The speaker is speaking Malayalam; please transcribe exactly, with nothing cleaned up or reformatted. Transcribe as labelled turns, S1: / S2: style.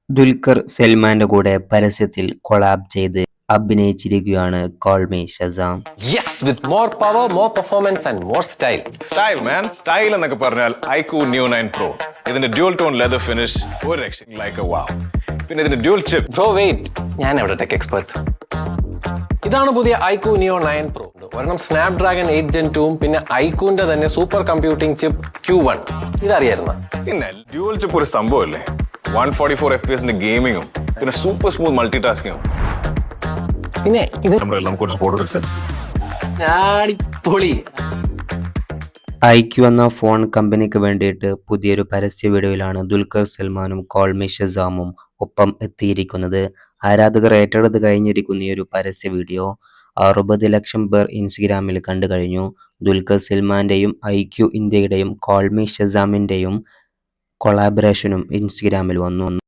S1: ദുൽഖർ സൽമാന്റെ കൂടെ പരസ്യത്തിൽ കൊളാബ് ചെയ്ത് അഭിനയിച്ചിരിക്കുകയാണ് call me Shazam.
S2: Yes, with more power, more performance and more style.
S3: Style man style എന്നൊക്കെ പറഞ്ഞാൽ ഐക്യു ന്യൂ നയൻ പ്രോ. ഇതിന്റെ ഡ്യൂൽ ടോൺ ലെതർ ഫിനിഷ് ഒരു രക്ഷ ലൈക്ക് എ വാവ്. പിന്നെ ഇതിന്റെ ഡ്യൂൽ ചിപ്പ്.
S2: Bro, wait. ഞാൻ എവിടെ ടെക് എക്സ്പെർട്ട്. ഇതാണ് പുതിയ ഐക്യു നിയോ നയൻ പ്രോ. ഒരെണ്ണം സ്നാപ്ഡ്രാഗൺ എയ്റ്റ് ജെൻ ടൂവും പിന്നെ ഐക്യുവിന്റെ തന്നെ super computing chip Q one. ഇതറിയായിരുന്ന
S3: പിന്നെ ഡ്യൂൽ ചിപ്പ് ഒരു സംഭവമല്ലേ. One forty four F P എസിന്റെ ഗെയിമിങ്ങും പിന്നെ സൂപ്പർ സ്മൂത്ത് മൾട്ടി ടാസ്കിങ്ങും.
S2: പിന്നെ ഇത്
S3: നമ്മളെല്ലാം കുറച്ച് ഫോട്ടോസ്
S2: അടിപൊളി.
S1: ഐക്യു എന്ന ഫോൺ കമ്പനിക്ക് വേണ്ടിയിട്ട് പുതിയൊരു പരസ്യ വീഡിയോയിലാണ് ദുൽഖർ സൽമാനും കോൾ മീ ഷസാമും ഒപ്പം എത്തിയിരിക്കുന്നത്. ആരാധകർ ഏറ്റെടുത്ത് കഴിഞ്ഞിരിക്കുന്ന ഈ ഒരു പരസ്യ വീഡിയോ അറുപത് ലക്ഷം പേർ ഇൻസ്റ്റഗ്രാമിൽ കണ്ടു കഴിഞ്ഞു. ദുൽഖർ സൽമാന്റെയും ഐക്യു ഇന്ത്യയുടെയും കോൾ മീ ഷസാമിന്റെയും കൊളാബറേഷനും ഇൻസ്റ്റഗ്രാമിൽ വന്നു.